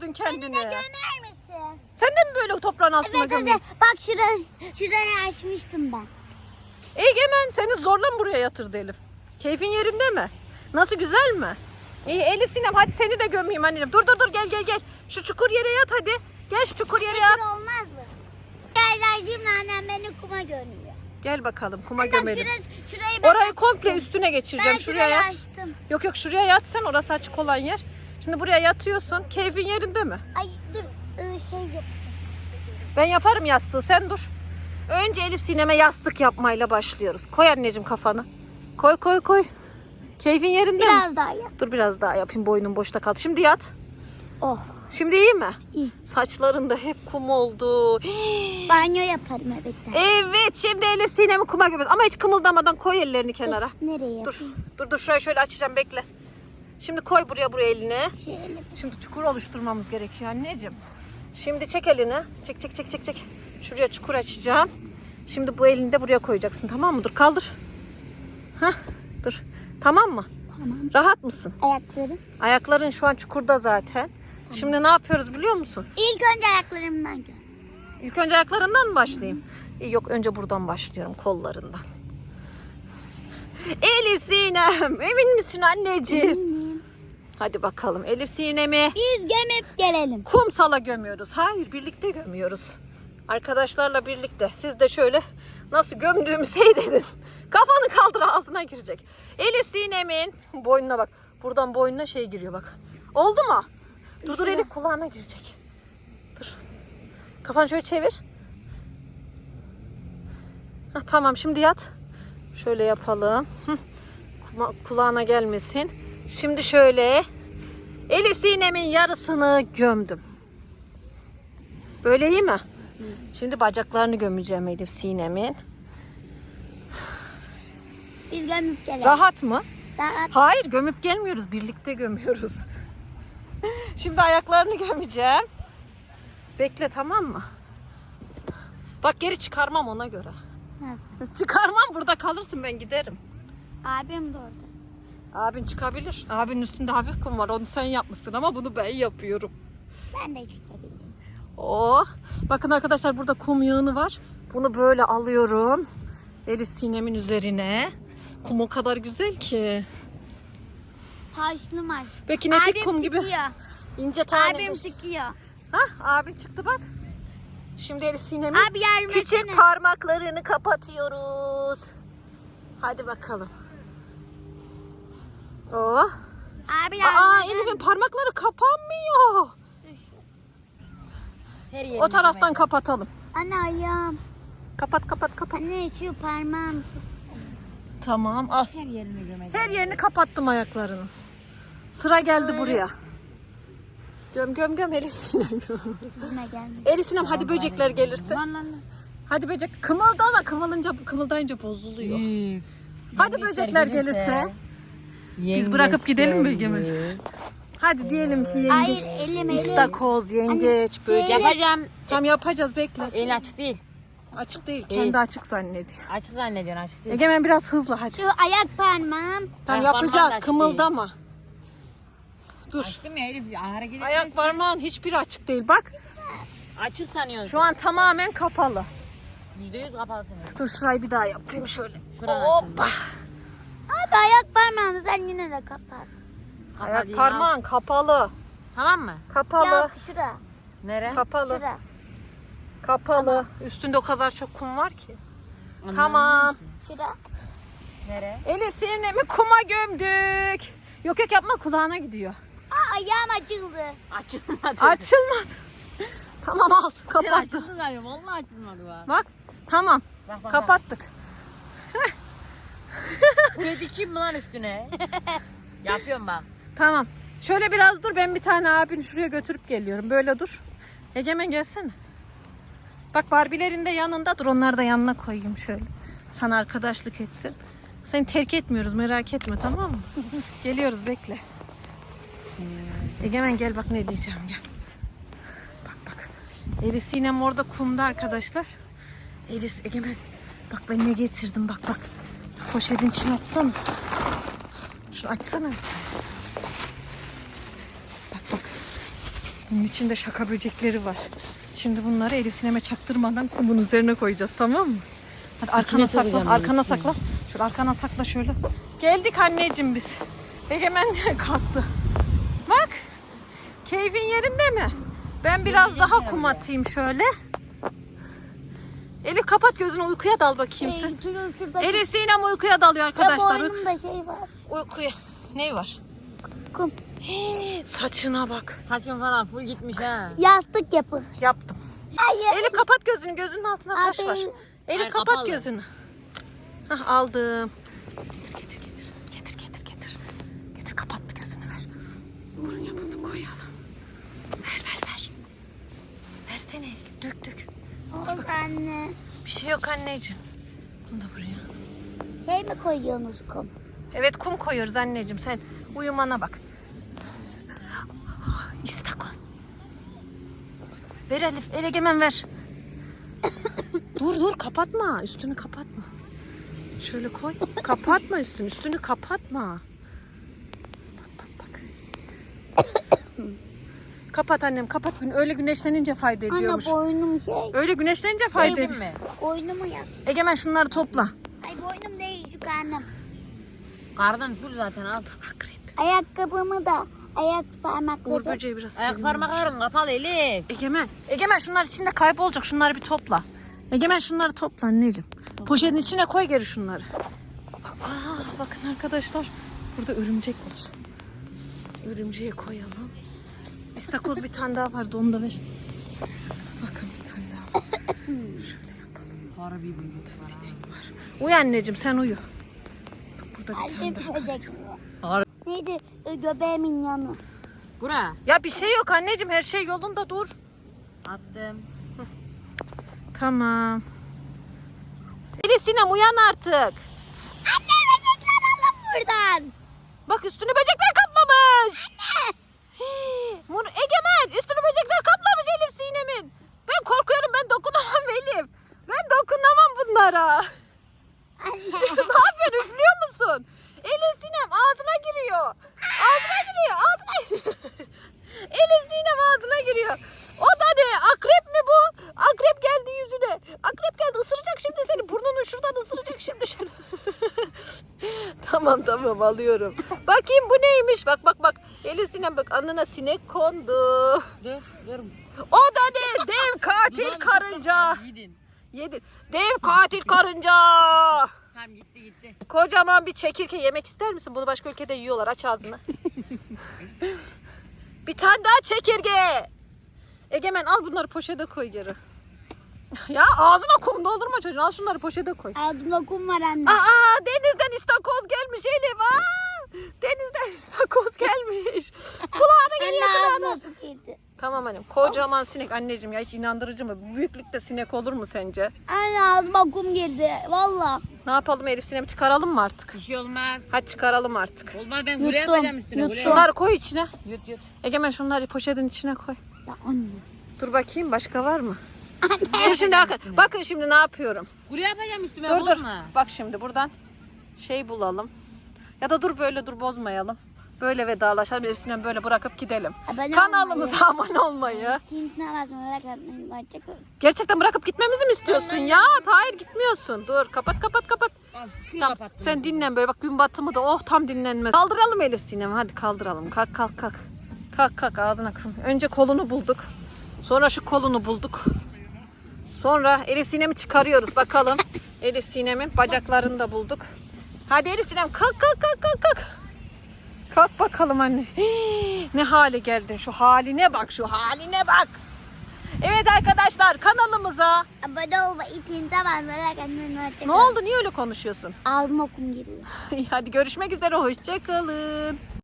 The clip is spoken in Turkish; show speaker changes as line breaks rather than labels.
gömdün kendini.
Beni de gömer misin?
Sen de mi böyle toprağın altına
Evet
gömüyorsun?
hadi. Bak şurayı açmıştım ben.
Egemen seni zorla mı buraya yatırdı Elif? Keyfin yerinde mi? Nasıl, güzel mi? İyi Elif Sinem, hadi seni de gömeyim anneciğim. Dur gel. Şu çukur yere yat hadi. Gel şu çukur yere yat.
Şurası olmaz mı? Gel annem beni kuma gömüyor.
Gel bakalım kuma
Bak
gömelim.
şurayı ben
Orayı komple
açtım.
üstüne geçireceğim.
Ben
Şuraya
şurayı
yat.
açtım.
Yok şuraya yat sen, orası açık olan yer. Şimdi buraya yatıyorsun. Keyfin yerinde mi?
Ay dur şey yap.
Ben yaparım yastığı, sen dur. Önce Elif Sinem'e yastık yapmayla başlıyoruz. Koy anneciğim kafanı. Koy. Keyfin yerinde mi?
Biraz daha yap.
Dur biraz daha yapayım, boynum boşta kaldı. Şimdi yat.
Oh.
Şimdi iyi mi?
İyi.
Saçların da hep kum oldu.
Banyo yaparım evet.
Evet, şimdi Elif Sinem'i kuma gömüyoruz. Ama hiç kımıldamadan koy ellerini kenara.
Nereye
Dur,
yapayım?
dur şurayı şöyle açacağım, bekle. Şimdi koy buraya elini.
Şöyle.
Şimdi çukur oluşturmamız gerekiyor anneciğim. Şimdi çek elini. Çek. Şuraya çukur açacağım. Şimdi bu elini de buraya koyacaksın, tamam mı? Dur kaldır. Hah, dur. Tamam mı?
Tamam.
Rahat mısın?
Ayaklarım.
Ayakların şu an çukurda zaten. Şimdi ne yapıyoruz biliyor musun?
İlk önce ayaklarımdan gör.
İlk önce ayaklarından mı başlayayım? Yok, önce buradan başlıyorum, kollarından. Elif Sinem, emin misin anneciğim?
Eminim.
Hadi bakalım Elif Sinem'i
Biz gömüp gelelim.
kumsala gömüyoruz. Hayır, birlikte gömüyoruz. Arkadaşlarla birlikte. Siz de şöyle nasıl gömdüğümü seyredin. Kafanı kaldır, ağzına girecek. Elif Sinem'in boynuna bak. Buradan boynuna şey giriyor bak. Oldu mu? Dur Elif, kulağına girecek. Dur. Kafanı şöyle çevir. Heh, tamam, şimdi yat. Şöyle yapalım. Kulağına gelmesin. Şimdi şöyle Elif Sinem'in yarısını gömdüm. Böyle iyi mi? Şimdi bacaklarını gömeceğim Elif Sinem'in.
Biz gömüp gelelim.
Rahat mı?
Rahat.
Hayır, gömüp gelmiyoruz. Birlikte gömüyoruz. Şimdi ayaklarını gömeceğim. Bekle, tamam mı? Bak, geri çıkarmam ona göre.
Nasıl?
Çıkarmam, burada kalırsın, ben giderim.
Abim de orada.
Abin çıkabilir. Abinin üstünde hafif kum var. Onu sen yapmışsın ama bunu ben yapıyorum.
Ben de çıkabilirim.
Oh. Bakın arkadaşlar, burada kum yığını var. Bunu böyle alıyorum. Elif Sinem'in üzerine. Kum o kadar güzel ki.
Taşlı maç.
Ve kinetik
Abim
kum gibi
çıkıyor.
ince tanedir.
Abim çıkıyor.
Hah, abin çıktı bak. Şimdi Elif Sinem'in
Abi yardım
küçük
etsene.
parmaklarını kapatıyoruz. Hadi bakalım. Oh.
Abi yardım
Aa,
etsene.
Elif'in parmakları kapanmıyor. O taraftan kapatalım.
Anne ayağım.
Kapat.
Anne şu parmağım.
Tamam, al.
Her yerini gömeceğim.
Her yerini kapattım ayaklarını. Sıra geldi buraya. Göm Elif Sinem.
Yüzüme gelmedi.
Elif Sinem, hadi böcekler gelirse.
Lan.
Hadi böcek kımıldama, kımıldayınca bozuluyor. Hadi böcekler gelirse. Biz bırakıp gidelim mi Egemen? Hadi diyelim ki yengeç,
Hayır elim.
istakoz, yengeç, böcek.
Yapacağım.
Tam yapacağız, bekle.
Elin açık değil.
Açık değil,
Değil.
kendi açık zannediyor.
Açık zannediyorsun, açık değil.
Egemen biraz hızlı hadi.
Şu ayak parmağım.
Tam
Ayak parmağın da
yapacağız,
açık
kımıldama. Dur.
Açtım ya Elif, hareket
Ayak
etmez.
parmağın hiçbiri açık değil, bak.
Açık sanıyorsun.
Şu an tamamen kapalı.
%100 kapalı sanıyorsun.
Dur şurayı bir daha yapayım şöyle.
Şuradan
Hoppa.
Abi ayak parmağımı sen yine de kapat.
Ayak parmağın kapalı.
Tamam mı?
Kapalı.
Yok şura.
Nere?
Kapalı.
Şura.
Kapalı. Üstünde o kadar çok kum var ki.
Anlamadım
Tamam.
ki.
Şura.
Nere?
Elif Sinem'i kuma gömdük. Yok yapma, kulağına gidiyor.
Aa ayağım açıldı.
Açılmadı.
Açılmadı. Tamam, al,
Sen
kapattı.
açıldı galiba. Vallahi açılmadı bak.
Bak, tamam,
Bak.
kapattık.
Buraya dikeyim mi lan üstüne? Yapıyorum bak.
Tamam. Şöyle biraz dur, ben bir tane abini şuraya götürüp geliyorum. Böyle dur. Egemen gelsene. Bak, Barbie'lerin de yanında dur, onları da yanına koyayım şöyle. Sana arkadaşlık etsin. Seni terk etmiyoruz, merak etme, tamam mı? Geliyoruz, bekle. Egemen gel, bak ne diyeceğim, gel. Bak. Elif Sinem orada kumda arkadaşlar. Egemen bak ben ne getirdim, bak. Poşetin içine atsana. Şunu açsana bir tane. Bak. Bunun içinde şaka böcekleri var. Şimdi bunları Elif Sinem'e çaktırmadan kumun üzerine koyacağız, tamam mı? Hadi arkana
sokacağım
sakla,
ben
arkana
içine.
sakla. Şöyle arkana sakla şöyle. Geldik anneciğim biz. Egemen kalktı. Bak. Keyfin yerinde mi? Ben biraz daha kum atayım şöyle. Elif kapat gözünü, uykuya dal bakayım sen.
Şurada
Elif Sinem uykuya dalıyor arkadaşlar.
boynumda şey var.
Uykuya. Ne var?
Kum.
Saçına bak.
Saçın falan full gitmiş ha.
Yastık yapı.
Yaptım.
Hayır.
Elif kapat gözünü. Gözünün altında taş var.
Aferin.
Elif
Ay,
kapat
kapalı.
gözünü. Hah, aldım. Getir getir. Getir getir getir. Getir, kapattı gözünü, ver. Buraya bunu koyalım. Ver ver ver. Versene. Dök dök.
Oldu anne.
Bir şey yok anneciğim. Bunu da buraya.
Şey mi koyuyorsunuz kum?
Evet, kum koyuyoruz anneciğim. Sen uyumana bak. İstakoz. Ver Elif. Egemen ver. Dur kapatma. Üstünü kapatma. Şöyle koy. Kapatma üstünü. Üstünü kapatma. Bak. Kapat annem, kapat. Öyle güneşlenince fayda ediyormuş.
Anne boynum şey.
Öyle güneşlenince fayda
Değil
ediyor.
mi?
Boynumu yap.
Egemen şunları topla.
Ay boynum değil şu annem.
Karnın full zaten al.
Akrep.
Ayakkabımı da ayak
Uğur
parmakları.
böceği biraz
Ayak
sevdim.
parmakların kapalı Elif.
Egemen şunlar içinde kaybolacak. Şunları bir topla. Egemen şunları topla anneciğim. Poşetin içine koy geri şunları. Bakın arkadaşlar. Burada örümcek var. Örümceği koyalım. İstakoz bir tane daha vardı, onu da ver. Bakın bir tane daha. Şöyle yapalım.
Harbi bir
Var. Uyu anneciğim, sen uyu. Bak, burada bir tane daha.
Böcek.
Harbi.
Neydi? Göbeğimin yanı.
Bura.
Ya bir şey yok anneciğim, her şey yolunda, dur.
Attım.
Tamam. Elif Sinem, uyan artık.
Anne böcekler alın buradan.
Bak, üstünü böcekler kaplamış.
Anne.
Egemen, üstünü böcekler kaplamış Elif Sinem'in. Ben korkuyorum, ben dokunamam Elif. Ben dokunamam bunlara.
Anne.
Ne yapıyorsun, üflüyor musun? Elif Sinem ağzına giriyor. Ağzına giriyor. Elif Sinem ağzına giriyor. O da ne? Akrep mi bu? Akrep geldi yüzüne. Akrep geldi, ısıracak şimdi seni. Burnunu şuradan ısıracak şimdi. Şöyle. Tamam alıyorum. Bakayım bu neymiş? Bak. Elif Sinem bak, alnına sinek kondu.
Dur.
O da ne? Dev katil karınca.
Yedin.
Dev katil karınca.
Tamam gitti.
Kocaman bir çekirge, yemek ister misin? Bunu başka ülkede yiyorlar. Aç ağzını. Bir tane daha çekirge. Egemen al bunları poşete koy geri. Ya ağzına kum doldurma çocuğun. Al şunları poşete koy.
Ağzımda kum var anne.
Denizden istakoz gelmiş Elif. Denizden istakoz gelmiş. Kulağına geliyor,
Anne
kulağına.
ağzıma su girdi.
Tamam annem. Kocaman sinek anneciğim ya, hiç inandırıcı mı? Bu büyüklükte sinek olur mu sence?
Anne ağzıma kum girdi. Valla.
Ne yapalım Elif Sinem'i çıkaralım mı artık?
Bir şey olmaz.
Hadi çıkaralım artık.
Olmaz, ben buraya
Yuttum,
yapacağım üstüne.
yuttum.
Buraya.
Şunları koy içine.
Yut.
Egemen şunları poşetin içine koy.
Ya anne.
Dur bakayım, başka var mı? Dur şimdi bakın şimdi ne yapıyorum.
Buraya yapacağım üstüme,
Dur.
bozma.
Bak şimdi buradan şey bulalım. Ya da dur bozmayalım. Böyle vedalaşalım. Elif Sinem böyle bırakıp gidelim.
Abone
Kanalımıza abone olmayı.
Tintine basmayı merak etmeyin. Hoşçakalın.
Gerçekten bırakıp gitmemizi mi istiyorsun ya? Hayır, gitmiyorsun. Dur, kapat.
Az suyu
Tamam,
kapattım.
sen dinlen böyle, bak gün batımı da tam dinlenmez. Kaldıralım Elif Sinem, hadi kaldıralım. Kalk. Kalk ağzına kırın. Önce kolunu bulduk. Sonra şu kolunu bulduk. Sonra Elif Sinem'i çıkarıyoruz bakalım. Elif Sinem'in bacaklarını da bulduk. Hadi Elif Sinem kalk. Kalk bakalım anne. Ne hale geldin, şu haline bak. Evet arkadaşlar, kanalımıza.
Abone olmayı, tintine basmayı merak etmeyin. Hoşçakalın.
Ne oldu, niye öyle konuşuyorsun?
Ağzıma kum giriyor.
Hadi görüşmek üzere, hoşça kalın.